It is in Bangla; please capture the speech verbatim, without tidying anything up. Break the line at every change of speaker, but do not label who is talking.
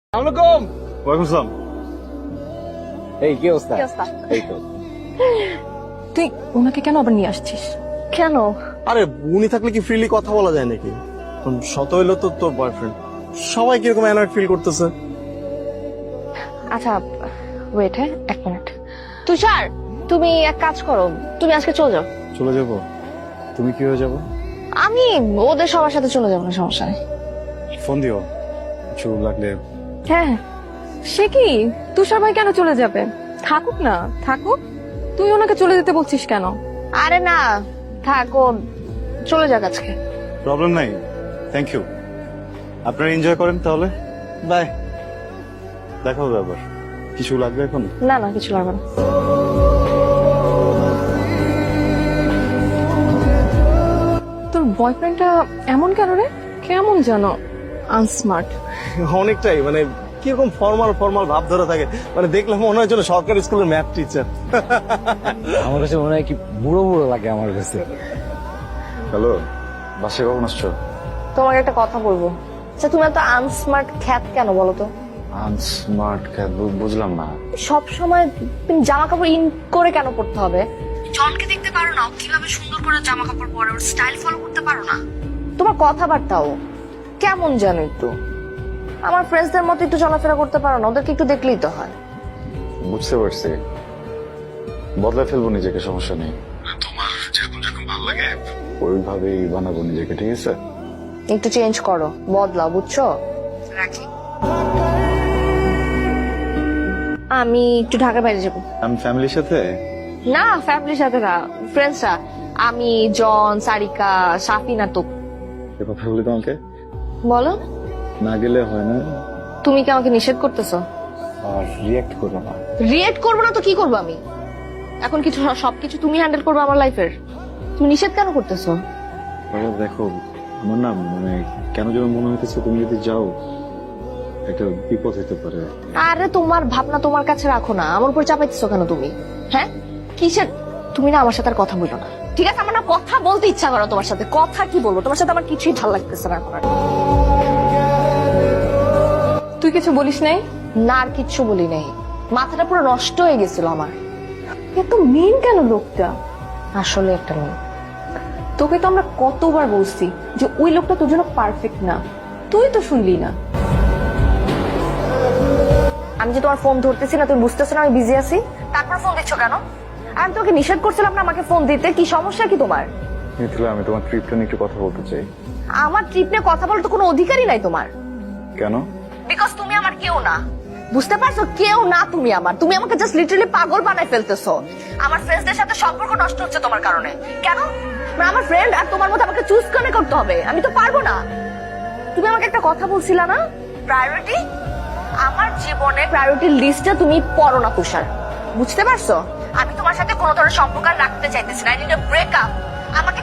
আসসালামু
ওয়ালাইকুম আসসালাম।
এই কি অবস্থা?
কি অবস্থা?
এই তো।
তুই ওনাকে কেন আবার নিয়ে আসছিস? কেন?
আরে উনি থাকলে কি ফ্রিলি কথা বলা যায় নাকি? শত হইলো তো তোর বয়ফ্রেন্ড, সবাই কিরকম অ্যানয়েড ফিল করতেছে।
আচ্ছা ওয়েট, হ্যাঁ এক মিনিট। তুষার, তুমি এক কাজ করো, তুমি আজকে চলে যাও।
চলে যাব? তুমি কি হয়ে যাবো?
আমি ওদের সবার সাথে চলে যাবো, না সমস্যা নেই।
ফোন দিও কিছু লাগলে।
হ্যাঁ, সে কি তুষার ভাই কেন চলে যাবে? থাকুক না, থাকুক। তুই ওনাকে চলে যেতে বলছিস কেন?
আরে না থাকো, চলে যাক আজকে।
প্রবলেম নাই, থ্যাংক ইউ। আপনারা এনজয় করেন তাহলে। বাই, দেখা হবে আবার। কিছু লাগবে এখন?
না না কিছু লাগবে না।
তোর বয়ফ্রেন্ডটা এমন কেন রে? কেমন জানো আনস্মার্ট।
অনেকটাই মানে কিরকম ফর্মাল ফর্মাল ভাব ধরে থাকে, মানে দেখলে মনে হয় যেন সরকারি স্কুলের ম্যাথ টিচার।
আমার কাছে মনে হয় কি বুড়ো বুড়ো লাগে আমার কাছে।
হ্যালো, বাসে কখন আসছো?
তোমাকে একটা কথা বলবো। আচ্ছা তুমি এত আনস্মার্ট খ্যাত কেন বলো তো?
আনস্মার্ট বুঝলাম না।
সব সময় তুমি জামা কাপড় ইন করে কেন পড়তে হবে? জনকে দেখতে পারো না কিভাবে সুন্দর করে জামা কাপড় পরে, ওর স্টাইল ফলো করতে পারো না? তোমার কথাবার্তাও কেমন জানো একটু। আমার ফ্রেন্ডসদের মতো একটু চলাফেরা করতে পারো না? ওদেরকে একটু দেখলেই তো হয়।
বুঝতে পারছি, বদলে ফেলবো নিজেকে, সমস্যা নেই। তোমার যেরকম যেরকম ভালো লাগে ওইভাবেই বানাবো নিজেকে, ঠিক আছে?
একটু চেঞ্জ করো, বদলাও, বুঝছো? রাখি। আমি একটু ঢাকার বাইরে যাবো।
আমি ফ্যামিলির সাথে।
না ফ্যামিলির সাথে না, ফ্রেন্ডসরা। আমি, জন, সারিকা, সাফিনা। তো
এ কথা বলি তোমাকে,
বলো।
না গেলে হয় না।
তুমি কি আমাকে নিষেধ করতেছো?
আর রিয়াক্ট করবো না।
রিয়েক্ট করবো না তো কি করবো আমি? এখন কিছু সবকিছু তুমি হ্যান্ডেল করবে আমার লাইফের। তুমি নিষেধ কেন করতেছো?
বাবা দেখো, আমার না মানে কেন যেন মনে হইতেছে তুমি যদি যাও একটা বিপদ হতে পারে।
আরে তোমার ভাবনা তোমার কাছে রাখো না, আমার উপর চাপাইতেছো কেন তুমি? হ্যাঁ কিসের? তুমি না আমার সাথে আর কথা বলো না, ঠিক আছে? আমার না কথা বলতে ইচ্ছা করো তোমার সাথে। কথা কি বলবো তোমার সাথে? আমার কিছুই ভালো লাগতেছে না এখন আর।
তুই কিছু বলিস নাই?
না আর কিচ্ছু বলি নাই, মাথাটা পুরো নষ্ট হয়ে গেছিল আমার।
এত মেন কেন লোকটা?
আসলে একটা মেয়ে।
তোকে তো আমরা কতবার বলছি যে ওই লোকটা তোর জন্য পারফেক্ট না, তুই তো শুনলি না।
আমি যে তোমার ফোন ধরতেছি না, তুমি বুঝতেছো না আমি বিজি আছি? তারপর ফোন দিচ্ছ কেন? আর আমি তোকে নিষেধ করছিলাম না আমাকে ফোন দিতে। কি সমস্যা কি তোমার?
মিথিলা, আমি তোমার ট্রিপটা নিয়ে একটু কথা বলতে চাই।
আমার ট্রিপ নিয়ে কথা বলার তো কোনো অধিকারই নাই তোমার।
কেন?
বিকজ তুমি আমার কেউ না, বুঝতে পারছো? কেউ না তুমি আমার। তুমি আমাকে জাস্ট লিটারালি পাগল বানায় ফেলতেছো। আমার ফ্রেন্ডসদের সাথে সম্পর্ক নষ্ট হচ্ছে তোমার কারণে। কেন? মানে আমার ফ্রেন্ড আর তোমার মধ্যে আমাকে চুজ করে করতে হবে? আমি তো পারবো না। তুমি আমাকে একটা কথা বলছিলা না, প্রায়োরিটি। আমার জীবনে প্রায়োরিটি লিস্টটা তুমি পড়ো না তুষার, বুঝতে পারছো? আমি তোমার সাথে কোনো ধরনের সম্পর্ক আর রাখতে চাইতেছি না। I need a breakup. আমাকে